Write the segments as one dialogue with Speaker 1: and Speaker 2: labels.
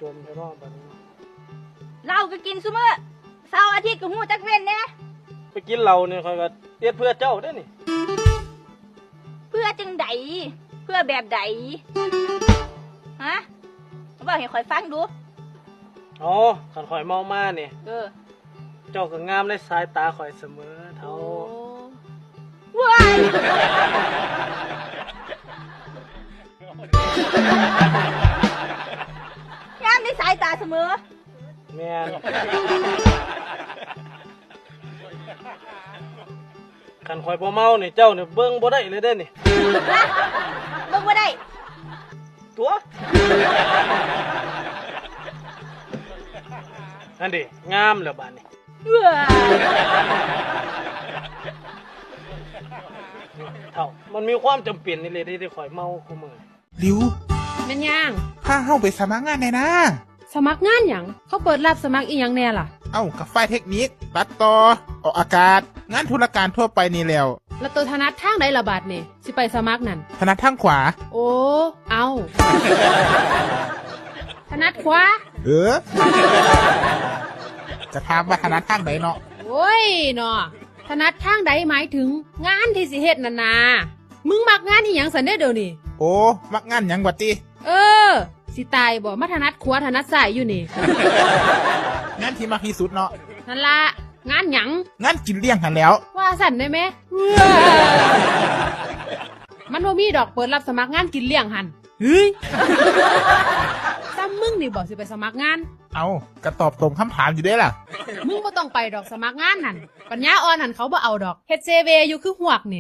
Speaker 1: มไปรอบแบบนี้
Speaker 2: เราก็กินซุมื้อเสาร์อาทิตย์ก็ฮู้จักเว้นแหน่
Speaker 1: ไปกินเหล้าเนี่ยคอยก็เฮ็ดเพื่อเจ้าได้อนี่
Speaker 2: เพื่อจังใดเพื่อแบบใดฮะบอกให้ข่อยฟังดู
Speaker 1: อ๋อขันข่อยเมามาเนี่ย เจ้าก็งามในสายตาข่อยเสมอเท่า
Speaker 2: ว้ายงามในสายตาเสมอ
Speaker 1: แม่นขันข่อยบ่เมาเนี่ยเจ้าเนี่ยเบิ่งบ่ได้เลยเด้อนี่
Speaker 2: นะเบิ่งบ่ได้
Speaker 1: ตัวนั่นดิงามแล้วบาดนี้
Speaker 2: ว้าย
Speaker 1: เท่ามันมีความจำเป็นนี่เลยที่ข่อยเมาคู่มือ
Speaker 3: ริว
Speaker 4: แม่นย่าง
Speaker 3: พาเฮาไปสมัครงานในนะ
Speaker 4: สมัครงานหยังเขาเปิดรับสมัครอีหยังแน่ล่ะ
Speaker 3: เอ้ากับฝ่ายเทคนิคตัดต่อออกอากาศ งานธุรการทั่วไปนี่แล้ว
Speaker 4: แล้วตัวธนัดทางใดละบาดนี่สิไปสมัครนั่น
Speaker 3: ถนัดทางขวา
Speaker 4: โอ้ เอาธนัดขวา
Speaker 3: เออ จะถามว่าถนัดทางไหนเนาะ
Speaker 4: โอ้ยเนาะธนัดทางใดหมายถึงงานที่สิเฮ็ดนั่นนามึงมักงานอีหยังสันเด้อเดี๋ยวนี้
Speaker 3: โอ้มักงานหยังวะติ
Speaker 4: เออ สิตายบ่มาธนัดขวาธนัดซ้ายอยู่นี่
Speaker 3: งานที่มักที่สุดเนาะ
Speaker 4: นั่นละงานหยัง
Speaker 3: งานกินเลี้ยงหันแหล้ว
Speaker 4: ว่าสั่นได้ไหมมันบ่มีดอกเปิดรับสมัครงานกินเลี้ยงหันเฮ้ยซ้ำมึงนี่บอกสิไปสมัครงาน
Speaker 3: เอากระตอบตรงคำถามอยู่เด้ล่ะ
Speaker 4: มึงบ่ต้องไปดอกสมัครงานนั่นปัญญาอ่อนหันเขาบ่เอาดอกเฮ็ดเซเวอยู่คือหวกนี่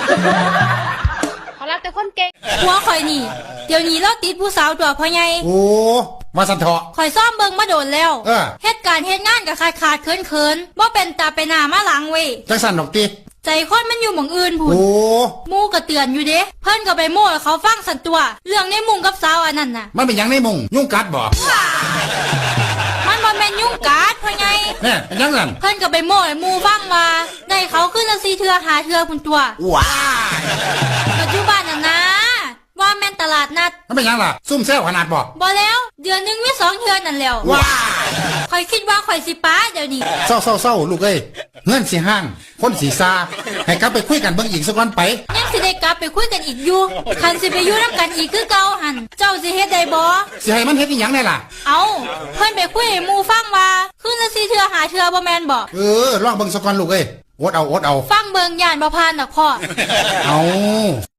Speaker 4: เขารักแต่คนเก่ง
Speaker 5: หัวข่อยนี่ เดี๋ยวนี้เราติดผู้สาวตัวพ่อใหญ่
Speaker 6: โอ้มาสันเถาะ
Speaker 5: ข่อยซ่อมเบิงมาโดนแล้ว
Speaker 6: เออ
Speaker 5: เฮ็ดการเฮ็ดงานกับขาดเขินบ่เป็นตาไปหน้ามาหลังเว้ย
Speaker 6: จังสันดอกติ
Speaker 5: ใจคนมันอยู่หม่องอื่นพุ่น
Speaker 6: โอ้
Speaker 5: หมู่ก็เตือนอยู่เด้เพิ่นก็ไปโม้ให้เขาฟังสันตัว เรื่องในมุงกับสาวอันนั้นน่ะ
Speaker 6: มันเป็นหยังในมุงยุ่งกัดบ่
Speaker 5: มันบ่แม่นยุ่งกัดพ่อใหญ่
Speaker 6: แน่เป็นหยังนั่น
Speaker 5: เพิ่นก็ไปโม้ให้หมู่ฟังว่าได้เขาขึ้นละ4เทื่อ5เทื่อพุ่นตัว
Speaker 6: ว้า
Speaker 5: ปัจจุบันน่ะนะว่าแม่นตลาดนัด
Speaker 6: มันเป็นหยังล่ะ ซุ่มแซวขนาดบ่
Speaker 5: บ่แล้วเดือนหนึงมี2เทื่อนั่นแล้ว
Speaker 6: ว้า
Speaker 5: ข่อยคิดว่าข่อยสิป้าเดี๋ยวนี้
Speaker 6: เศร้าลูกเอ้ยเงินสิห้าง คนสีซาให้กลับไปคุยกันเบิ่งอีกสักวันไป
Speaker 5: ยังสิได้กลับไปคุยกันอีกอยู่คันสิไปอยู่น้ำกันอีกคือเก่าหัน เจ้าสิเฮ็ดได้บ่
Speaker 6: สิให้มันเฮ็ดอีหยังได้ล่ะ
Speaker 5: เอาเพิ่นไปคุยให้หมู่ฟังว่าคืนละ4เทื่อ5เทื่อบ่แม่นบ่
Speaker 6: เออลองเบิ่งสักวันลูกเอ้ยอดเอา
Speaker 5: ฟังเบิ่งย่านบ่ผ่านดอกพ่อ
Speaker 6: เอา